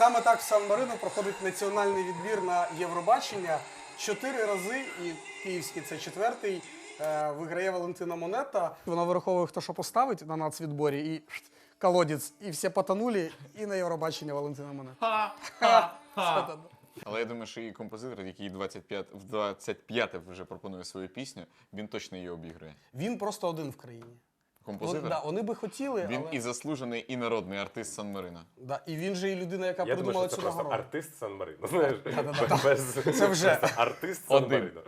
Саме так в Сан-Марино проходить національний відбір на Євробачення. 4 рази, і київський це 4-й, виграє Валентина Монета. Вона вираховує, хто що поставить на нацвідборі, і колодець, і всі потонули, і на Євробачення Валентина Монета. Але я думаю, що і композитор, який в 25-те вже пропонує свою пісню, він точно її обіграє. Він просто один в країні. Композитор? Да, вони би хотіли, Він але... і заслужений, і народний артист Сан-Марина. Да, і він же і людина, яка Я придумала думаю, що цю це просто нагороду. артист Сан-Марино. Знаєш, Це вже. Артист Сан-Марино.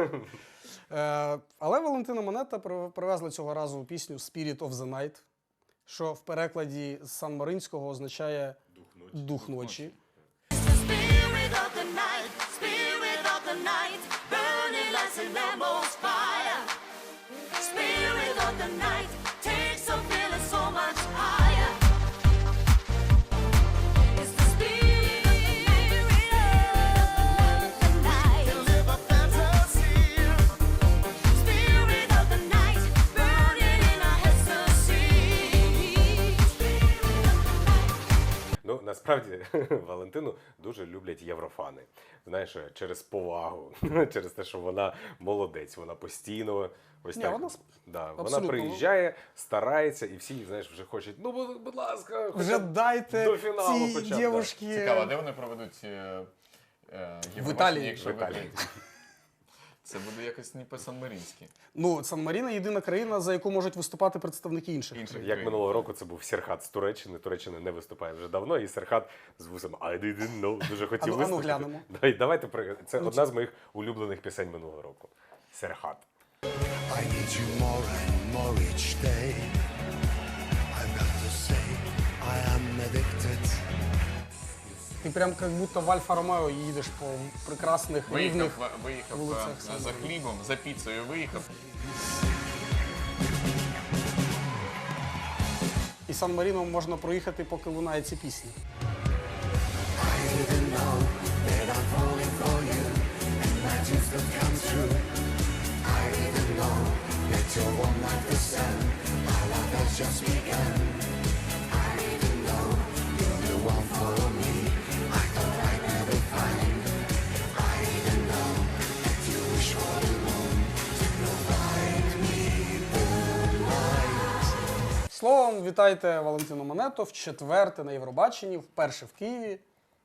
Але Валентина Монета привезла цього разу пісню «Spirit of the Night», що в перекладі з сан-маринського означає «дух ночі». Spirit of the night, spirit of the night, burning like a Lambo's fire. Spirit of the night, takes a feeling so much higher. It's the spirit of the night. Live a fantasy. Spirit of the night, burning in our ecstasy. Ну, насправді, Валентину дуже люблять єврофани. Знаєш, через повагу, через те, що вона молодець, вона постійно ось Ні, так. вона Вона абсолютно. приїжджає, старається, і всі, знаєш, вже хочуть, ну, будь ласка, Вже хоча б дайте до фіналу цій хоча б, да. дівушки... Цікаво, а де вони проведуть Євробачення, Італії. якщо В Італії. виграють? Це буде якось не по-сан-маринськи. Ну, Сан-Маріно – єдина країна, за яку можуть виступати представники інших. Як минулого року це був Серхат з Туреччини. Туреччина не виступає вже давно, і Серхат з вусом I didn't know дуже хотів Ану, виступити. глянемо. Давайте, це одна з моїх улюблених пісень минулого року. Серхат. I need you more and more each day. I've got to say, I am addicted. Ти прям як будто в Альфа-Ромео їдеш по прекрасних, рівних Виїхав вулицях за Сан-Марино. хлібом, за піцею виїхав. І Сан-Маріно можна проїхати, поки лунає ці пісні. Словом, вітайте Валентину Монету в 4-те на Євробаченні, вперше в Києві.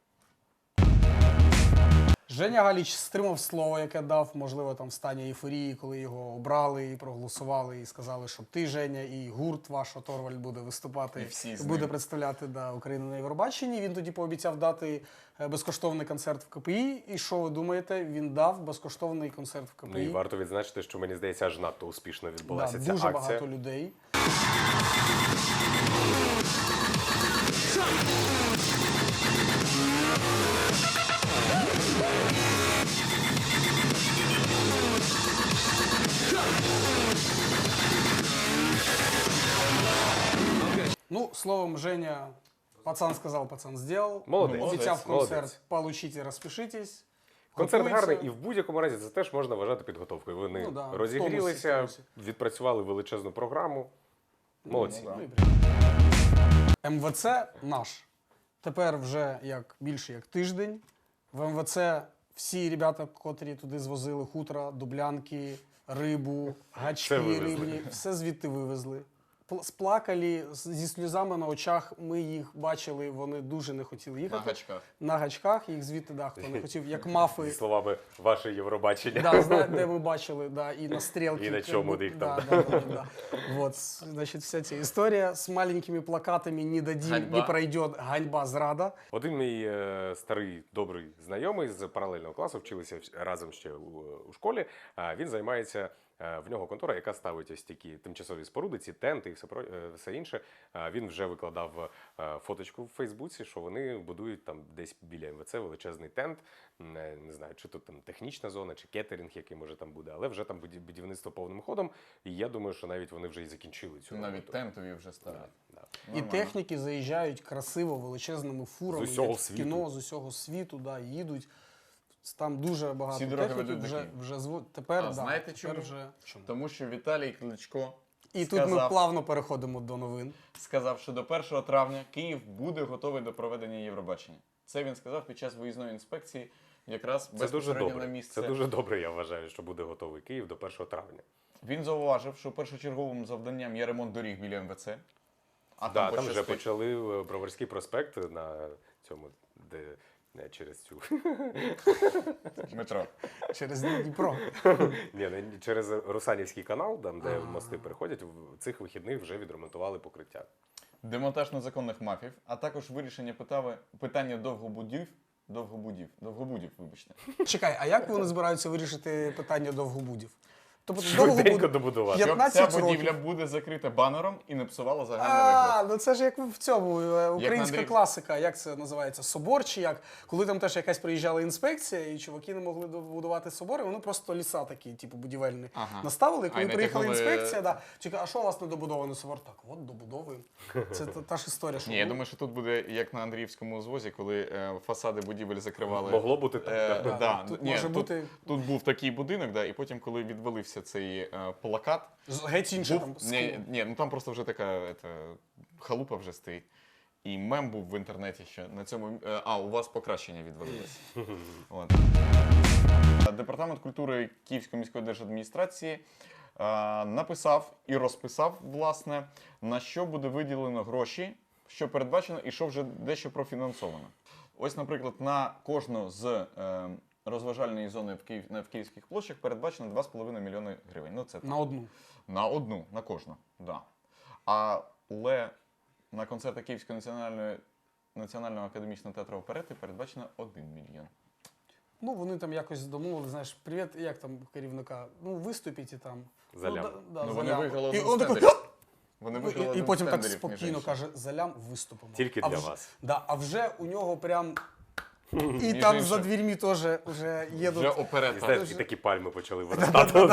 Женя Галіч стримав слово, яке дав, можливо, там в стані ейфорії, коли його обрали і проголосували, і сказали, що ти, Женя, і гурт ваш Оторвальд буде виступати, І всі з буде ним. представляти Україну на Євробаченні. Він тоді пообіцяв дати безкоштовний концерт в КПІ. І що ви думаєте? Він дав безкоштовний концерт в КПІ. Ну і варто відзначити, що, мені здається, аж надто успішно відбулася Да, ця дуже акція. багато людей. Ну, словом, Женя, пацан сказал, пацан сделал. Молодець. Обіцяв Молодець. концерт, получите, розпишитесь. Концерт Готується. гарний, і в будь-якому разі це теж можна вважати підготовкою. Вони Ну да, розігрілися, в тонусі. відпрацювали величезну програму. Молодці. Ну, і прям. МВЦ наш. Тепер вже більше як тиждень. В МВЦ всі ребята, котрі туди звозили хутра, дублянки, рибу, гачки Все вивезли. рибні, все звідти вивезли. Сплакали зі сльозами на очах. Ми їх бачили, вони дуже не хотіли На їхати. гачках. На гачках, їх звідти, хто не хотів, як Зі мафи. словами ваше Євробачення. Де ми бачили, і на стрілки. І на чому їх там. Да. Вот, значить, вся ця історія з маленькими плакатами «Не дадим, Ганьба. не пройдет, ганьба, зрада». Один мій старий добрий знайомий з паралельного класу, вчилися разом ще у школі. Він займається, в нього контора, яка ставить ось такі тимчасові споруди, ці тенти і все інше. Він вже викладав фоточку в Фейсбуці, що вони будують там десь біля МВЦ величезний тент. Не знаю, чи тут там технічна зона, чи кетеринг, який може там буде, але вже там будівництво повним ходом. І я думаю, що навіть вони вже і закінчили цю роботу. Навіть тентові вже ставлять. Да. І Нормально. техніки заїжджають красиво величезними фурами, З усього як в світу. кіно, з усього світу, їдуть. Там дуже багато Всі дороги техніки ведуть до Києва. вже зводять. Тепер, А знаєте тепер чому? вже... Тому що Віталій Кличко І тут ми плавно переходимо до новин. сказав, що до 1 травня Київ буде готовий до проведення Євробачення. Це він сказав під час виїзної інспекції, якраз Це дуже безпосередньо на добре. місце. Це дуже добре, я вважаю, що буде готовий Київ до 1 травня. Він зауважив, що першочерговим завданням є ремонт доріг біля МВЦ. А Там вже пощастить. почали Броварський проспект на цьому, де не через цю. метро. Через Дніпро. Ні, не через Русанівський канал, там, де мости переходять, в цих вихідних вже відремонтували покриття. Демонтаж незаконних мафів, а також вирішення питання довгобудів, вибачте. Чекай, а як вони збираються вирішити питання довгобудів? Тобто Швиденько добудувати. Щоб 15 ця будівля років. буде закрита банером і не псувала загальний вигляд. Ну це ж як в цьому українська Андрій- класика, як це називається? Собор чи як? Коли там теж якась приїжджала інспекція, і чуваки не могли добудувати собори, вони просто ліса такі, типу будівельні, Ага. наставили. А, Коли і не приїхала тягнули- інспекція, да, чекай, а що у вас не добудований собор? Так, от добудовуємо. Це та ж історія, що Ні, я думаю, що тут буде як на Андріївському узвозі, коли фасади будівель закривали. Могло бути так. да. Да, тут може бути- тут був такий будинок, да, і потім, коли відвалився цей плакат, геть інше там. ні, ну там просто вже така халупа вже стоїть. І мем був в інтернеті, що на цьому. У вас покращення відвалилося. От. Департамент культури Київської міської держадміністрації написав і розписав, власне, на що буде виділено гроші, що передбачено і що вже дещо профінансовано. Ось, наприклад, на кожну з розважальної зони в Київських площах передбачено 2,5 мільйони гривень. Ну, це так. На одну. На кожну, да. Але на концерти Київського національного академічного театру оперети передбачено 1 мільйон. Ну, вони там якось домовили, знаєш, привіт, як там у керівника, ну, виступіть і там. За лям. Да, Ну, за вони лям. виграли І один он з такий, тендерів. Вони виграли і один потім з так тендерів, між спокійно іншим. каже, за лям виступимо. Тільки А для вже- вас. Да, а вже у нього прям. І Між там іншим. за дверьми теж вже їдуть. Вже І оперета. знаєш, і такі пальми почали виростати.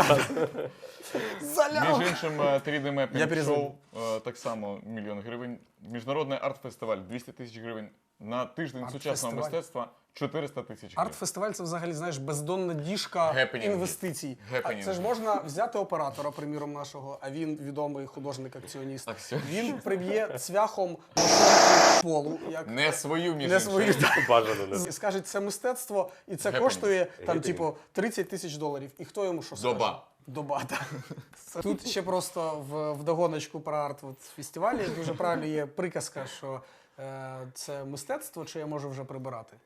За лям! Між іншим, 3D Я Mapping перезвоню. Show так само 1 мільйон гривень. Міжнародний арт-фестиваль 200 тисяч гривень. На тиждень сучасного Арт-фестиваль. мистецтва 400 тисяч гривень. Арт-фестиваль це взагалі, знаєш, бездонна діжка Гепенінги. інвестицій. А Гепенінги. це ж можна взяти оператора, приміром, нашого, а він відомий художник-акціоніст. Акціоніст. Він приб'є цвяхом мошонку полу, як Не свою, між не іншим. свої. Бажано не. І скаже, це мистецтво, і це Гепенінг. коштує там, Гепенінг. типу, 30 тисяч доларів. І хто йому що скаже? Доба. Доба, так. Тут ще просто в догоночку про арт-фестивалі дуже правильно є приказка, що це мистецтво, чи я можу вже прибирати.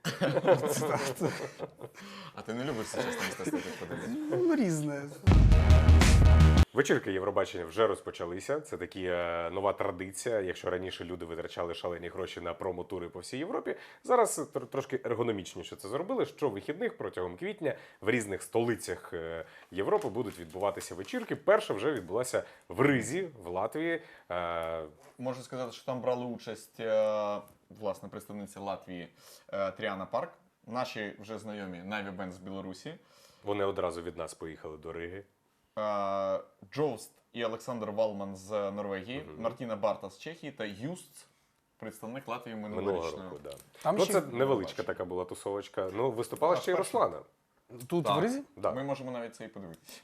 А ти не любиш сучасне мистецтво, так подивитися? Ну, різне. Вечірки Євробачення вже розпочалися. Це такі нова традиція. Якщо раніше люди витрачали шалені гроші на промо-тури по всій Європі, зараз трошки ергономічніше це зробили. Що вихідних протягом квітня в різних столицях Європи будуть відбуватися вечірки. Перша вже відбулася в Ризі, в Латвії. Можу сказати, що там брали участь власне представниця Латвії Тріана Парк, наші вже знайомі Navy Band з Білорусі, Вони одразу від нас поїхали до Риги. Джоуст і Олександр Валман з Норвегії, Мартіна Барта з Чехії та Юст, представник Латвії Минулого минулорічної. року, да. Там Ну, ще це невеличка така була тусовочка. Ну, виступала ще й перша. Руслана. тут Так. в Ризі? Да. Ми можемо навіть це і подивитися.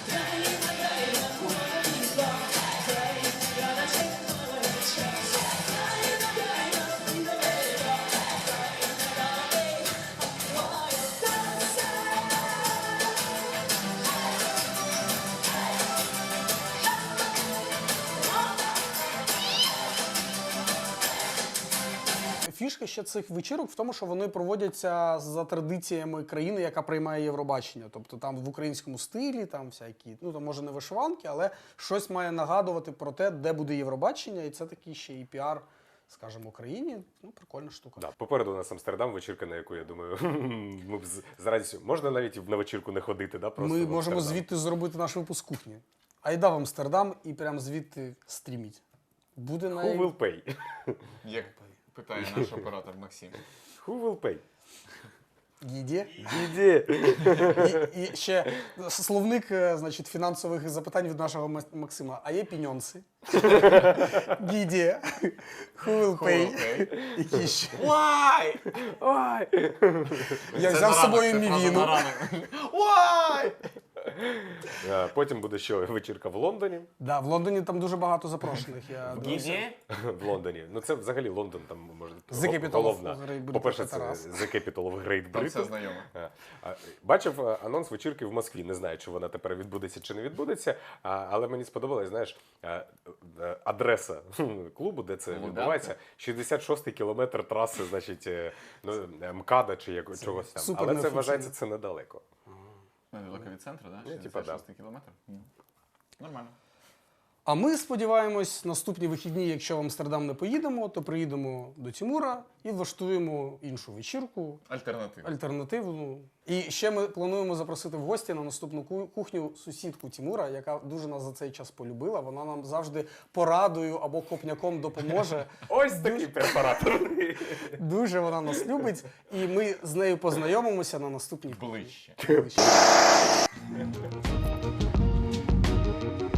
Фішка ще цих вечірок в тому, що вони проводяться за традиціями країни, яка приймає Євробачення. Тобто там в українському стилі, там всякі, ну там може не вишиванки, але щось має нагадувати про те, де буде Євробачення, і це такий ще і піар, скажімо, Україні. Ну, прикольна штука. Да. Попереду у нас Амстердам, вечірка, на яку, я думаю, ми б з радістю. Можна навіть на вечірку не ходити, да? Просто Ми в можемо Амстердам. звідти зробити наш випуск кухні. Айда в Амстердам і прям звідти стріміть. Буде Who will pay? Як питає наш оператор Максим. Who will pay? Гіді. Іде. І ще словник, значить, фінансових запитань від нашого Максима. А є піньонси? Гіді. Who will pay? Які ще? Why? Ой. Я взяв з собою мівіну. Why? Потім буде ще вечірка в Лондоні. Да, в Лондоні там дуже багато запрошених. Я дивився. В Лондоні. Ну це взагалі Лондон, там може The Capital of головна. Great Britain, По-перше, це це раз. The Capital of Great Там все Britain. знайомо. Бачив анонс вечірки в Москві. Не знаю, чи вона тепер відбудеться чи не відбудеться. Але мені сподобалось, знаєш, адреса клубу, де це Луганка? відбувається. 66-й кілометр траси, значить, МКАДа чи чогось там. супер Але це неофіційно. вважається це недалеко. Недалеко від центру, так? Ну, типа, да. 66 кілометр? Нормально. А ми сподіваємось, наступні вихідні, якщо в Амстердам не поїдемо, то приїдемо до Тімура і влаштуємо іншу вечірку, Альтернатива. альтернативну. І ще ми плануємо запросити в гості на наступну кухню сусідку Тімура, яка дуже нас за цей час полюбила. Вона нам завжди порадою або копняком допоможе. Ось такий препаратор. Дуже вона нас любить, і ми з нею познайомимося на наступній Ближче. кухні.